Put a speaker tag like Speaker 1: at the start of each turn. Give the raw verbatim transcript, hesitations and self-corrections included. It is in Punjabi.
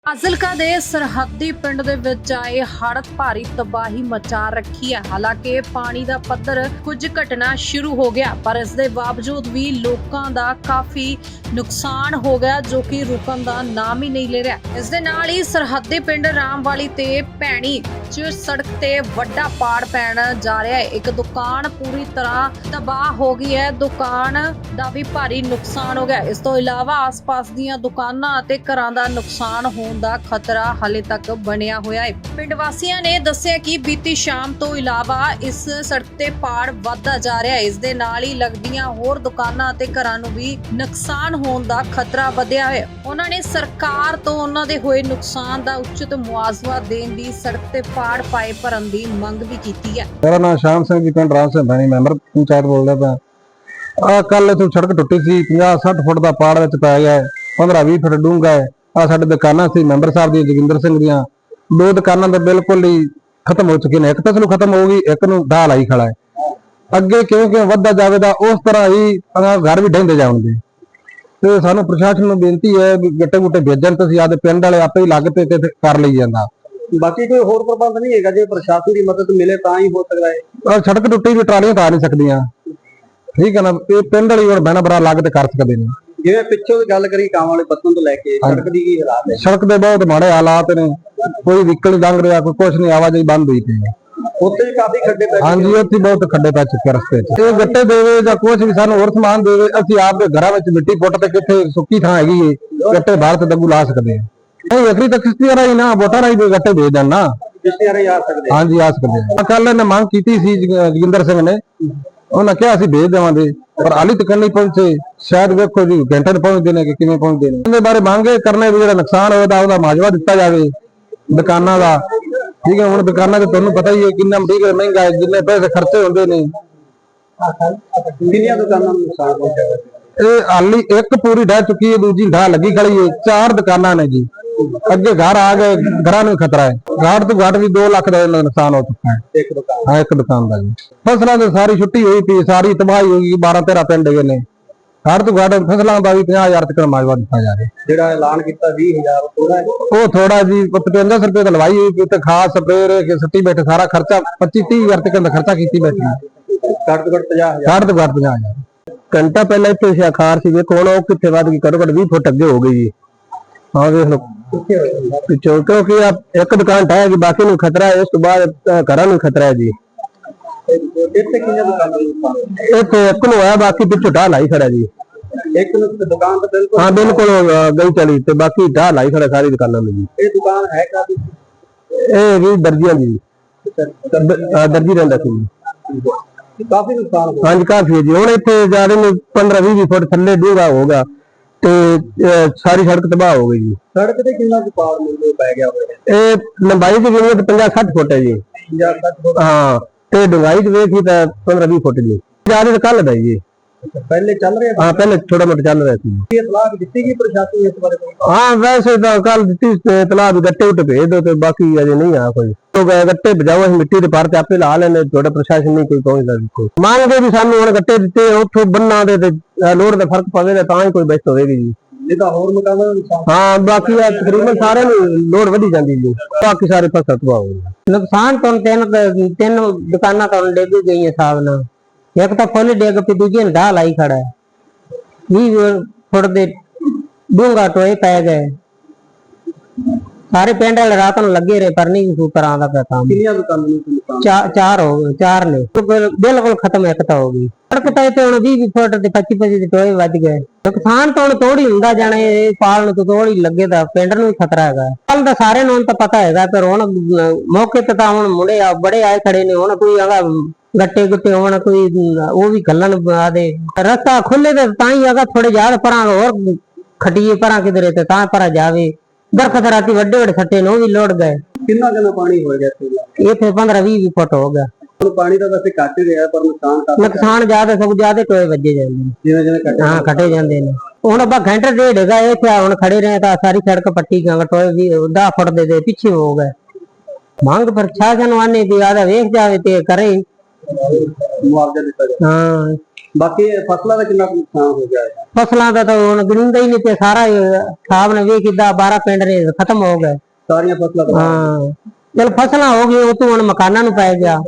Speaker 1: ਫਾਜ਼ਿਲਕਾ ਦੇ ਸਰਹੱਦੀ ਪਿੰਡ ਦੇ ਵਿੱਚ ਆਏ ਹੜ੍ਹ ਭਾਰੀ ਤਬਾਹੀ ਮਚਾ ਰੱਖੀ ਹੈ। ਹਾਲਾਂਕਿ ਪਾਣੀ ਦਾ ਪੱਧਰ ਕੁਝ ਘਟਣਾ ਸ਼ੁਰੂ ਹੋ ਗਿਆ, ਪਰ ਇਸ ਦੇ ਬਾਵਜੂਦ ਵੀ ਲੋਕਾਂ ਦਾ ਕਾਫੀ ਨੁਕਸਾਨ ਹੋ ਗਿਆ, ਜੋ ਕਿ ਰੁਕਣ ਦਾ ਨਾਮ ਹੀ ਨਹੀਂ ਲੈ ਰਿਹਾ। ਇਸ ਦੇ ਨਾਲ ਹੀ ਸਰਹੱਦੀ ਪਿੰਡ ਰਾਮਵਾਲੀ ਤੇ ਭੈਣੀ ਚ ਸੜਕ ਤੇ ਵੱਡਾ ਪਾੜ ਪੈਣ ਜਾ ਰਿਹਾ ਹੈ। ਇੱਕ ਦੁਕਾਨ ਪੂਰੀ ਤਰ੍ਹਾਂ ਤਬਾਹ ਹੋ ਗਈ ਹੈ, ਦੁਕਾਨ ਦਾ ਵੀ ਭਾਰੀ ਨੁਕਸਾਨ ਹੋ ਗਿਆ। ਇਸ ਤੋਂ ਇਲਾਵਾ ਆਸ-ਪਾਸ ਦੀਆਂ ਦੁਕਾਨਾਂ ਅਤੇ ਘਰਾਂ ਦਾ ਨੁਕਸਾਨ ਹੋ ਦਾ ਖਤਰਾ ਹਾਲੇ ਤੱਕ ਬਣਿਆ ਹੋਇਆ ਹੈ। ਪਿੰਡ ਵਾਸੀਆਂ ਨੇ ਦੱਸਿਆ ਕਿ ਬੀਤੀ ਸ਼ਾਮ ਤੋਂ ਇਲਾਵਾ ਇਸ ਸੜਕ ਤੇ ਪਾੜ ਵੱਧਦਾ ਜਾ ਰਿਹਾ ਹੈ। ਇਸ ਦੇ ਨਾਲ ਹੀ ਲੱਗਦੀਆਂ ਹੋਰ ਦੁਕਾਨਾਂ ਅਤੇ ਘਰਾਂ ਨੂੰ ਵੀ ਨੁਕਸਾਨ ਹੋਣ ਦਾ ਖਤਰਾ ਵਧਿਆ ਹੈ। ਉਹਨਾਂ ਨੇ ਸਰਕਾਰ ਤੋਂ ਉਹਨਾਂ ਦੇ ਹੋਏ ਨੁਕਸਾਨ ਦਾ ਉਚਿਤ ਮੁਆਵਜ਼ਾ ਦੇਣ ਦੀ, ਸੜਕ ਤੇ ਪਾੜ ਪਾਏ ਭਰਨ ਦੀ ਮੰਗ ਵੀ ਕੀਤੀ ਹੈ।
Speaker 2: ਮੇਰਾ ਨਾਮ ਸ਼ਾਮ ਸਿੰਘ ਜੀ, ਪਿੰਡ ਰਾਮ ਸਿੰਘ ਭੈਣੀ, ਮੈਂਬਰ ਪੰਚਾਇਤ ਬੋਲਦਾ ਪਿਆ। ਆ ਕੱਲ ਇਥੋਂ ਸੜਕ ਟੁੱਟੀ ਸੀ, ਪੰਜਾਹ ਸੱਠ ਫੁੱਟ ਦਾ ਪਾੜ ਵਿੱਚ ਪੈ ਗਿਆ, ਪੰਦਰਾਂ ਵੀਹ ਫੁੱਟ ਡੂੰਘਾ ਹੈ। ਆ ਸਾਡੇ ਦੁਕਾਨਾਂ ਸੀ ਮੈਂਬਰ ਸਾਹਿਬ ਦੀਆਂ, ਜੋਗਿੰਦਰ ਸਿੰਘ ਦੀਆਂ, ਦੋ ਦੁਕਾਨਾਂ ਤਾਂ ਬਿਲਕੁਲ ਹੀ ਖਤਮ ਹੋ ਚੁੱਕੀਆਂ ਨੇ। ਇੱਕ ਤਾਂ ਚਲੋ ਖਤਮ ਹੋ ਗਈ, ਇੱਕ ਨੂੰ ਢਾਹ ਲਾਈ ਖੜਾ ਹੈ। ਅੱਗੇ ਕਿਉਂ ਕਿਉਂ ਵੱਧਦਾ ਜਾਵੇਗਾ, ਉਸ ਤਰ੍ਹਾਂ ਹੀ ਘਰ ਵੀ ਢਹਿੰਦੇ ਜਾਣਗੇ। ਤੇ ਸਾਨੂੰ ਪ੍ਰਸ਼ਾਸਨ ਨੂੰ ਬੇਨਤੀ ਹੈ ਵੀ ਗੱਟੇ ਗੁੱਟੇ ਭੇਜਣ, ਤੇ ਅਸੀਂ ਆਦੇ ਪਿੰਡ ਵਾਲੇ ਆਪੇ ਹੀ ਲੱਗ ਪਏ ਤੇ ਕਰ ਲਈ ਜਾਂਦਾ।
Speaker 3: ਬਾਕੀ ਕੋਈ ਹੋਰ ਪ੍ਰਬੰਧ ਨਹੀਂ ਹੈਗਾ? ਜੇ ਪ੍ਰਸ਼ਾਸਨ ਦੀ ਮਦਦ ਮਿਲੇ ਤਾਂ ਹੀ ਹੋ ਸਕਦਾ ਹੈ।
Speaker 2: ਸੜਕ ਟੁੱਟੀ ਵੀ ਟਰਾਲੀਆਂ ਤਾਂ ਆ ਨਹੀਂ ਸਕਦੀਆਂ, ਠੀਕ ਹੈ ਨਾ। ਇਹ ਪਿੰਡ ਵਾਲੀ ਹੁਣ ਬੈਨਾ ਬਰਾ ਲੱਗ ਤੇ ਕਰ ਸਕਦੇ ਨੇ।
Speaker 3: ਜਿਵੇਂ ਪਿੱਛੋਂ ਦੀ ਗੱਲ ਕਰੀ ਕਾਵਾਂ ਵਾਲੇ ਪੱਤਨ ਤੋਂ ਲੈ ਕੇ ਸੜਕ ਦੀ ਕੀ ਹਾਲਾਤ ਹੈ?
Speaker 2: ਸੜਕ ਦੇ ਬਹੁਤ ਮਾੜੇ ਹਾਲਾਤ ਨੇ, ਕੋਈ ਵਹੀਕਲ ਨਹੀਂ ਲੰਘ ਰਿਹਾ, ਕੋਈ ਕੁਛ ਨਹੀਂ, ਆਵਾਜਾਈ ਬੰਦ ਹੋਈ ਪਈ ਹੈ।
Speaker 3: ਉੱਥੇ ਵੀ ਕਾਫੀ ਖੱਡੇ ਪੈ
Speaker 2: ਹਾਂਜੀ, ਉੱਥੇ ਬਹੁਤ ਖੱਡੇ ਪੈ ਚੁੱਕੇ ਰਸਤੇ 'ਚ। ਇਹ ਗੱਟੇ ਦੇਵੇ ਜਾਂ ਕੁਛ ਵੀ ਸਾਨੂੰ ਹੋਰ ਸਮਾਨ ਦੇਵੇ, ਅਸੀਂ ਆਪ ਦੇ ਘਰਾਂ ਵਿੱਚ ਮਿੱਟੀ ਪੁੱਟ ਤੇ ਕਿੱਥੇ ਸੁੱਕੀ ਥਾਂ ਹੈਗੀ ਏ, ਗੱਟੇ ਬਾਹਰ ਤੇ ਦੰਗੂ ਲਾ ਸਕਦੇ ਆ। ਨਹੀਂ ਅਖਰੀ ਤਾਂ ਕਿਸ਼ਤੀਆਂ ਰਾਹੀਂ ਨਾ, ਵੋਟਾਂ ਰਾਹੀਂ ਗੱਟੇ ਦੇ ਦੇਣ ਨਾ,
Speaker 3: ਕਿਸ਼ਤੀਆਂ ਰਾਹੀਂ ਆ ਸਕਦੇ।
Speaker 2: ਹਾਂਜੀ ਆ ਸਕਦੇ ਆ। ਕੱਲ ਇਹਨੇ ਮੰਗ ਕੀਤੀ ਸੀ ਜੋਗਿੰਦਰ ਸਿੰਘ ਨੇ, ਉਹਨਾਂ ਕਿਹਾ ਅਸੀਂ ਭੇਜ ਦੇਵਾਂਗੇ, ਪਰ ਹਾਲੀ ਤੱਕ ਨਹੀਂ ਪਹੁੰਚੇ। ਸ਼ਾਇਦ ਵੇਖੋ ਜੀ ਘੰਟੇ ਨੂੰ ਪਹੁੰਚਦੇ ਨੇ ਕਿ ਕਿਵੇਂ ਪਹੁੰਚਦੇ ਨੇ। ਇਹਦੇ ਬਾਰੇ ਮੰਗੇ ਕਰਨੇ ਵੀ ਜਿਹੜਾ ਨੁਕਸਾਨ ਹੋਇਆ ਉਹਦਾ ਮੁਆਵਜ਼ਾ ਦਿੱਤਾ ਜਾਵੇ ਦੁਕਾਨਾਂ ਦਾ, ਠੀਕ ਹੈ। ਹੁਣ ਦੁਕਾਨਾਂ ਤੇ ਤੁਹਾਨੂੰ ਪਤਾ ਹੀ ਹੈ ਕਿੰਨਾ ਮਟੀਰੀਅਲ ਮਹਿੰਗਾ ਹੈ, ਜਿੰਨੇ ਪੈਸੇ ਖਰਚੇ ਹੁੰਦੇ ਨੇ।
Speaker 3: ਕਿੰਨੀਆਂ ਦੁਕਾਨਾਂ ਨੂੰ ਨੁਕਸਾਨ ਪਹੁੰਚਿਆ?
Speaker 2: ਇਹ ਹਾਲੀ ਇੱਕ ਪੂਰੀ ਢਹਿ ਚੁੱਕੀ ਹੈ, ਦੂਜੀ ਢਾਹ ਲੱਗੀ ਖੜੀ ਹੈ। ਚਾਰ ਦੁਕਾਨਾਂ ਨੇ ਜੀ, ਅੱਗੇ ਘਰ ਆ ਗਏ, ਘਰਾਂ ਨੂੰ ਖਤਰਾ ਹੈ। ਘਾਟ ਤੋਂ ਘਾਟ ਵੀ ਦੋ ਲੱਖ ਦਾ ਨੁਕਸਾਨ ਹੋ ਚੁੱਕਾ ਹੈ
Speaker 3: ਇੱਕ ਦੁਕਾਨ।
Speaker 2: ਹਾਂ, ਇੱਕ ਦੁਕਾਨ ਦਾ ਜੀ। ਫਸਲਾਂ ਦੀ ਸਾਰੀ ਛੁੱਟੀ ਹੋਈ ਪਈ, ਸਾਰੀ ਤਬਾਹੀ ਹੋ ਗਈ। ਬਾਰਾਂ ਤੇਰਾਂ ਪਿੰਡ ਹੈਗੇ ਨੇ, ਘਾਟ ਤੋਂ ਘਾਟ ਫਸਲਾਂ ਦਾ ਵੀ ਪੰਜਾਹ ਹਜ਼ਾਰ ਤੱਕ ਮੁਆਵਜ਼ਾ ਦਿੱਤਾ ਜਾਵੇ।
Speaker 3: ਜਿਹੜਾ ਐਲਾਨ ਕੀਤਾ ਵੀਹ ਹਜ਼ਾਰ ਥੋੜਾ ਹੈ?
Speaker 2: ਉਹ ਥੋੜਾ ਜੀ, ਪਚਵੰਜਾ ਸੌ ਰੁਪਏ ਤਾਂ ਲਵਾਈ ਹੋਈ ਤੇ ਖਾਸ ਸਪਰੇਅ ਕੇ ਸੱਟੀ ਬੈਠੇ, ਸਾਰਾ ਖਰਚਾ ਪੱਚੀ ਤੀਹ ਹਜ਼ਾਰ ਤੱਕ ਦਾ ਖਰਚਾ ਕੀਤੀ ਬੈਠੇ।
Speaker 3: ਘੱਟ ਤੋਂ ਘੱਟ ਪੰਜਾਹ ਹਜ਼ਾਰ।
Speaker 2: ਘੱਟ ਤੋਂ ਘੱਟ ਪੰਜਾਹ ਹਜ਼ਾਰ। ਘੰਟਾ ਪਹਿਲਾਂ ਇੱਥੇ ਸ਼ਾਖਾਰ ਸੀ, ਵੇਖੋ ਹੁਣ ਉਹ ਕਿੱਥੇ ਵੱਧ ਗਈ, ਘੱਟੋ ਘੱਟ ਵੀਹ ਫੁੱਟ ਅੱਗੇ ਹੋ ਗਈ ਜੀ। ਹਾਂ ਵੇਖ ਲਓ ਪਿੱਛੋਂ, ਕਿਉਂਕਿ ਇੱਕ ਦੁਕਾਨ ਢਹਿ ਗਈ, ਬਾਕੀ ਨੂੰ ਖਤਰਾ ਹੈ। ਉਸ ਤੋਂ ਬਾਅਦ ਘਰਾਂ ਨੂੰ ਖਤਰਾ ਹੈ ਜੀ।
Speaker 3: ਇੱਥੇ ਕਿੰਨੀਆਂ ਦੁਕਾਨਾਂ ਨੂੰ?
Speaker 2: ਇੱਥੇ ਇੱਕ ਨੂੰ ਹੋਇਆ, ਬਾਕੀ ਪਿੱਛੋਂ ਢਾਹ ਲਾਈ ਖੜਾ ਜੀ।
Speaker 3: ਇੱਕ ਨੂੰ ਦੁਕਾਨ ਤਾਂ ਬਿਲਕੁਲ
Speaker 2: ਹਾਂ ਬਿਲਕੁਲ ਗਈ ਚਲੀ, ਤੇ ਬਾਕੀ ਢਾਹ ਲਾਈ ਖੜਾ ਸਾਰੀ ਦੁਕਾਨਾਂ ਨੂੰ ਜੀ।
Speaker 3: ਇਹ ਦੁਕਾਨ ਹੈ ਕਾਫੀ?
Speaker 2: ਇਹ ਵੀ ਦਰਜੀਆਂ ਜੀ, ਦਰਜੀ ਰਹਿੰਦਾ ਸੀ।
Speaker 3: ਕਾਫੀ ਨੁਕਸਾਨ ਹੋਇਆ।
Speaker 2: ਹਾਂਜੀ ਕਾਫੀ ਹੈ ਜੀ। ਹੁਣ ਇੱਥੇ ਜਾ ਰਹੇ ਨੇ ਪੰਦਰਾਂ ਵੀਹ ਫੁੱਟ ਥੱਲੇ ਡੂੰਘਾ ਹੋਗਾ ਤੇ ਸਾਰੀ ਸੜਕ ਤਬਾਹ ਹੋ ਗਈ ਜੀ।
Speaker 3: ਸੜਕ ਤੇ ਕਿੰਨਾ ਕੁ ਪਾੜ ਮਿਲਦੇ ਪੈ ਗਿਆ ਹੋਇਆ?
Speaker 2: ਇਹ ਲੰਬਾਈ ਚ ਜਿਵੇਂ ਪੰਜਾਹ ਸੱਠ ਫੁੱਟ ਹੈ ਜੀ।
Speaker 3: ਪੰਜਾਹ ਸੱਠ ਫੁੱਟ?
Speaker 2: ਹਾਂ, ਤੇ ਡੂੰਘਾਈ ਚ ਵੇਖੀ ਤਾਂ ਪੰਦਰਾਂ ਵੀਹ ਫੁੱਟ ਜੀ। ਜਿਆਦਾ ਤਾਂ ਕੱਲ ਦਾ ਜੀ।
Speaker 3: ਪਹਿਲੇ ਚੱਲ ਰਿਹਾ?
Speaker 2: ਹਾਂ ਪਹਿਲੇ ਥੋੜਾ ਮੋਟਾ ਚੱਲ ਰਿਹਾ ਸੀ।
Speaker 3: ਇਹ ਸਲਾਹ ਦਿੱਤੀ ਗਈ ਪ੍ਰਸ਼ਾਸਨ ਇਸ ਬਾਰੇ?
Speaker 2: ਹਾਂ ਵੈਸੇ ਤਾਂ ਕੱਲ ਦਿੱਤੀ ਤਲਾਬ ਗੱਟੇ ਉੱਤੇ ਭੇਜ ਦੋ, ਤੇ ਬਾਕੀ ਅਜੇ ਨਹੀਂ ਆ ਕੋਈ। ਗੱਟੇ ਬਜਾਓ, ਅਸੀਂ ਮਿੱਟੀ ਦੇ ਭਰ ਤੇ ਆਪੇ ਲਾ ਲੈਣੇ, ਤੁਹਾਡਾ ਪ੍ਰਸ਼ਾਸਨ ਨਹੀਂ ਕੋਈ ਪਹੁੰਚਦਾ। ਮੰਗਦੇ ਵੀ ਸਾਨੂੰ ਹੁਣ ਗੱਟੇ ਦਿੱਤੇ, ਉੱਥੋਂ ਬੰਨਾਂ ਦੇ ਤੇ ਲੋੜ ਦਾ ਫਰਕ ਪਵੇ ਤਾਂ ਹੀ ਕੋਈ ਬਚਤ ਹੋਵੇਗੀ ਜੀ।
Speaker 3: ਨਹੀਂ ਤਾਂ ਹੋਰ ਮਕਾਨਾਂ ਦਾ ਨੁਕਸਾਨ?
Speaker 2: ਹਾਂ ਬਾਕੀ ਆ ਤਕਰੀਬਨ ਸਾਰਿਆਂ ਨੂੰ ਲੋੜ ਵਧੀ ਜਾਂਦੀ ਜੀ, ਬਾਕੀ ਸਾਰੇ ਫਸਲ ਤਬਾਹ ਹੋ ਗਈ।
Speaker 4: ਨੁਕਸਾਨ ਤੋਂ ਤਿੰਨ ਤਿੰਨ ਦੁਕਾਨਾਂ ਤੋਂ ਡਿੱਗ ਗਈਆਂ ਹਿਸਾਬ ਨਾਲ। ਇੱਕ ਤਾਂ ਫੁੱਲ ਡਿੱਗ ਪਈ, ਦੂਜੀ ਨੇ ਢਾਹ ਲਾਈ ਖੜਾ ਹੈ। ਵੀਹ ਫੁੱਟ ਦੇ ਡੂੰਘਾ ਟੋਏ ਪੈ ਗਏ। ਸਾਰੇ ਪਿੰਡ ਵਾਲੇ ਰਾਤ ਨੂੰ ਲੱਗੇ ਰਹੇ, ਪਰ ਨਹੀਂ ਕੋਈ ਤਰ੍ਹਾਂ ਦਾ ਪਿਆ ਕੰਮ।
Speaker 3: ਕਿੰਨੀਆਂ ਦੁਕਾਨਾਂ ਨੂੰ ਨੁਕਸਾਨ?
Speaker 4: ਚਾਰ ਹੋ ਗਏ, ਚਾਰ ਨੇ ਬਿਲਕੁਲ ਖਤਮ, ਇੱਕ ਤਾਂ ਹੋ ਗਈ। ਸੜਕ ਤਾਂ ਇੱਥੇ ਹੁਣ ਵੀਹ ਫੁੱਟ ਤੇ ਪੱਚੀ ਪੱਚੀ ਦੇ ਟੋਏ ਵੱਜ ਗਏ। ਨੁਕਸਾਨ ਤਾਂ ਹੁਣ ਥੋੜੀ ਹੁੰਦਾ ਜਾਣਾ, ਇਹ ਪਾਲ ਨੂੰ ਥੋੜੀ ਲੱਗੇ ਤਾਂ ਪਿੰਡ ਨੂੰ ਵੀ ਖਤਰਾ ਹੈਗਾ। ਕੱਲ ਤਾਂ ਸਾਰਿਆਂ ਨੂੰ ਤਾਂ ਪਤਾ ਹੈਗਾ, ਪਰ ਹੁਣ ਮੌਕੇ ਤੇ ਤਾਂ ਹੁਣ ਮੁੰਡੇ ਆ ਬੜੇ ਆਏ ਖੜੇ ਨੇ। ਹੁਣ ਕੋਈ ਆਗਾ ਗੱਟੇ ਗੁੱਟੇ ਹੋਣ, ਕੋਈ ਉਹ ਵੀ ਗੱਲਣ ਆਦੇ ਰਸਤਾ ਖੁੱਲੇ ਤੇ ਤਾਂ ਹੀ ਹੈਗਾ। ਥੋੜੇ ਜ਼ਿਆਦਾ ਪਰਾਂ ਹੋਰ ਖਟੀਏ ਪਰਾਂ ਕਿਧਰੇ ਤੇ ਤਾਂ ਪਰਾਂ ਜਾਵੇ। ਦਰਖਤ ਰਾਤੀ ਵੱਡੇ ਵੱਡੇ ਸੱਟੇ ਨੇ, ਉਹ ਵੀ ਲੋੜ ਗਏ।
Speaker 3: ਕਿੰਨਾ ਕਿੰਨਾ ਪਾਣੀ ਹੋ ਗਿਆ
Speaker 4: ਇੱਥੇ ਪੰਦਰਾਂ ਵੀਹ ਫੁੱਟ ਹੋ ਗਿਆ।
Speaker 3: ਪਾਣੀ ਤਾਂ ਵੈਸੇ ਘੱਟ ਹੀ ਰਿਹਾ, ਪਰ ਨੁਕਸਾਨ ਕਾਫੀ।
Speaker 4: ਨੁਕਸਾਨ ਜ਼ਿਆਦਾ ਸਗੋਂ ਜ਼ਿਆਦਾ ਟੋਏ ਵੱਜੇ ਜਾਂਦੇ ਨੇ,
Speaker 3: ਜਿਵੇਂ ਜਿਵੇਂ ਘਟੇ।
Speaker 4: ਹਾਂ ਘਟੇ ਜਾਂਦੇ ਨੇ। ਹੁਣ ਆਪਾਂ ਘੰਟੇ ਡੇਢ ਹੈਗਾ ਇੱਥੇ, ਹੁਣ ਖੜੇ ਰਹੇ ਤਾਂ ਸਾਰੀ ਸੜਕ ਪੱਟੀ ਗਾਂ, ਟੋਏ ਵੀ ਦਸ ਫੁੱਟ ਦੇ ਦੇ ਪਿੱਛੇ ਹੋ ਗਏ। ਮੰਗ ਪ੍ਰਸ਼ਾਸਨ ਆਨੇ ਵੀ ਆਦਾ ਵੇਖ ਜਾਵੇ ਤੇ ਕਰੇ,
Speaker 3: ਮੁਆਵਜ਼ਾ ਦਿੱਤਾ ਜਾਵੇ।
Speaker 4: ਹਾਂ
Speaker 3: ਬਾਕੀ ਫਸਲਾਂ ਦਾ ਕਿੰਨਾ ਕੁ ਨੁਕਸਾਨ ਹੋ ਗਿਆ ਹੈ?
Speaker 4: ਫਸਲਾਂ ਦਾ ਤਾਂ ਹੁਣ ਗਿਣਦਾ ਹੀ ਨਹੀਂ ਤੇ ਸਾਰਾ ਹਿਸਾਬ ਨੇ ਵੇਖ ਕਿੱਦਾਂ ਬਾਰਾਂ ਪਿੰਡ ਨੇ ਖਤਮ ਹੋ ਗਏ
Speaker 3: ਸਾਰੀਆਂ ਫਸਲਾਂ ਦਾ
Speaker 4: ਹਾਂ ਚਲ ਫਸਲਾਂ ਹੋ ਗਈਆਂ ਉਹ ਤੋਂ ਹੁਣ ਮਕਾਨਾਂ ਨੂੰ ਪੈ ਗਿਆ